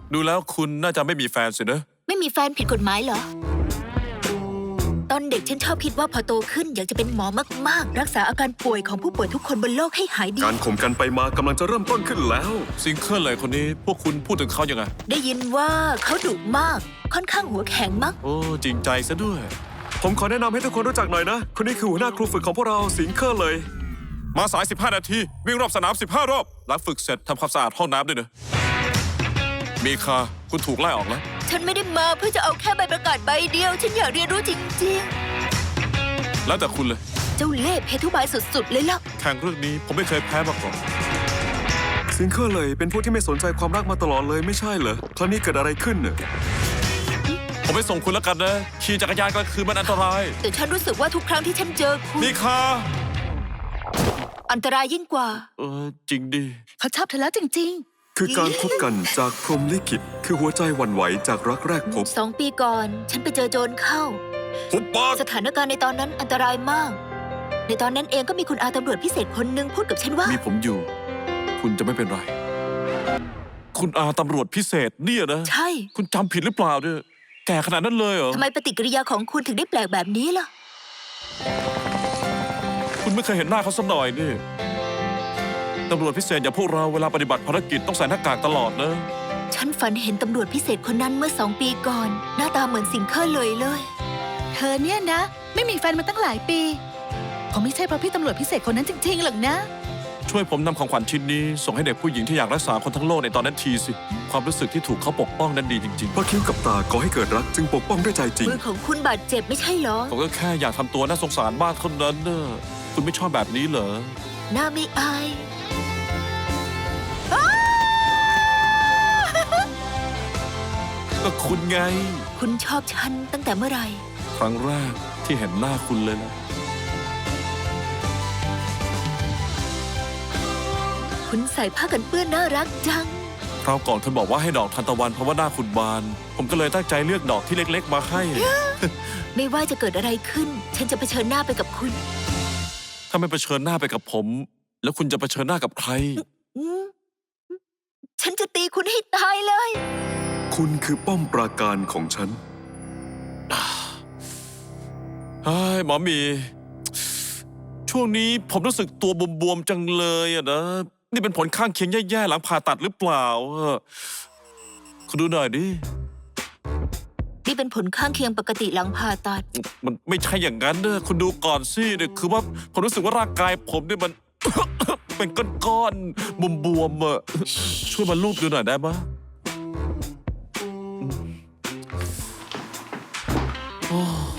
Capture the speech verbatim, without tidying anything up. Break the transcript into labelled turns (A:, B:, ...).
A: ดูแล้วคุณน่าจะไม่มีแฟนสินะ
B: ไม่มีแฟนผิดกฎหมายเหรอ ตอนเด็กฉันชอบคิดว่าพอโตขึ้นอยากจะเป็นหมอมากๆรักษาอาการป่วยของผู้ป่วยทุกคนบนโลกให้หายดี
C: การข่มกันไปมากำลังจะเริ่มต้นขึ้นแล้ว
A: ซิงเกิลเลยคนนี้พวกคุณพูดถึงเขายังไง
B: ได้ยินว่าเขาดุมากค่อนข้างหัวแข็งมั้ง
A: โอ้จริงใจซะด้วย
C: ผมขอแนะนำให้ทุกคนรู้จักหน่อยนะ คนนี้คือหัวหน้าครูฝึกของพวกเราสิงเคอร์เลย
A: มาสายสิบห้านาทีวิ่งรอบสนามสิบห้ารอบหลังฝึกเสร็จทำความสะอาดห้องน้ำด้วยนะมีคาคุณถูกไล่ออกแล้ว
B: ฉันไม่ได้มาเพื่อจะเอาแค่ใบประกาศใบเดียว ฉันอยากเรียนรู้จริง
A: แล้วแต่คุณเลย
B: ๆ เจ้าเล่ห์เพทุบายสุดๆเลยล่ะ
A: แข่งเรื่องนี้ผมไม่เคยแพ้มาก่อน
C: สิงเคอร์เลยเป็นผู้ที่ไม่สนใจความรักมาตลอดเลยไม่ใช่เหรอคราวนี้เกิดอะไรขึ้นเนี่ย
A: ผมไปส่งคุณแล้วกันนะขี่จักรยานกลางคืนมันอันตราย
B: แต่ฉันรู้สึกว่าทุกครั้งที่ฉันเจอคุณ
A: มีคา
B: อันตรายยิ่งกว่า
A: เออจริงดิ
B: เขาชอบเธอแล้วจริง
C: คือการพบกันจากพรหมลิขิตคือหัวใจหวั่นไหวจากรักแรกพบ
B: ๆ สองปีก่อน ฉันไปเจอโจรเข้า
A: ผมปาก
B: สถานการณ์ในตอนนั้นอันตรายมาก ในตอนนั้นเองก็มีคุณอาตำรวจพิเศษคนหนึ่งพูดกับฉันว่า
A: มีผมอยู่ คุณจะไม่เป็นไร คุณอาตำรวจพิเศษเนี่ยนะ
B: ใช่
A: คุณจำผิดหรือเปล่าเนี่ยแก่ขนาดนั้นเลยเหรอ
B: ทำไมปฏิกิริยาของคุณถึงได้แปลกแบบนี้ล่ะ
A: คุณไม่เคยเห็นหน้าเขาสักหน่อยนี่ตำรวจพิเศษอย่างพวกเราเวลาปฏิบัติภารกิจต้องใส่หน้ากากตลอดนะ
B: ฉันฝันเห็นตำรวจพิเศษคนนั้นเมื่อสองปีก่อน หน้าตาเหมือนสิงเคอร์เลยเลย
D: เธอเนี่ยนะ ไม่มีแฟนมาตั้งหลายปีคงไม่ใช่เพราะพี่ตำรวจพิเศษคนนั้นจริงๆหรอกนะ
A: ช่วยผมนำของขวัญชิ้นนี้ ส่งให้เด็กผู้หญิงที่อยากรักษาคนทั้งโลกในตอนนั้นทีสิ ความรู้สึกที่ถูกเขาปกป้องนั้นดีจริง
C: เพราะคิ้วกับตาก่อให้เกิดรักจึงปกป้องด้วยใจจริง
B: มือของคุณบาดเจ็บไม่ใช่เหรอ
A: ๆผมก็แค่อยากทำตัวน่าสงสารบ้างเท่านั้นเนอะคุณไม่ชอบแบบนี้เหรอ
B: หน้าไม่อาย
A: ก็คุณไง
B: คุณชอบฉันตั้งแต่เมื่อไหร่
A: ครั้งแรกที่เห็นหน้าคุณเลยนะ
B: คุณใส่ผ้ากันเปื้อนน่ารักจัง
A: คราวก่อนคุณบอกว่าให้ดอกทานตะวันเพราะว่าหน้าคุณบาน ผมก็เลยตั้งใจเลือกดอกที่เล็กๆมาให้
B: ไม่ว่าจะเกิดอะไรขึ้น ฉันจะเผชิญหน้าไปกับคุณ
A: ถ้าไม่เผชิญหน้าไปกับผม แล้วคุณจะเผชิญหน้ากับใคร
B: อืมฉันจะตีคุณให้ตายเลย
C: คุณคือป้อมปราการของฉัน
A: เฮ้ยหมอหมี ช่วงนี้ผมรู้สึกตัวบวมๆจังเลยอะนะ นี่เป็นผลข้างเคียงแย่ๆหลังผ่าตัดหรือเปล่าอะคุณดูหน่อยดิ
B: นี่เป็นผลข้างเคียงปกติหลังผ่าตัด
A: มันไม่ใช่อย่างนั้นเนอะคุณดูก่อนสิเนี่ยคือว่าผมรู้สึกว่าร่างกายผมเนี่ยมัน เป็นก้อนๆบวมๆอะช่วยมาลูบดูหน่อยได้ไหมโอ้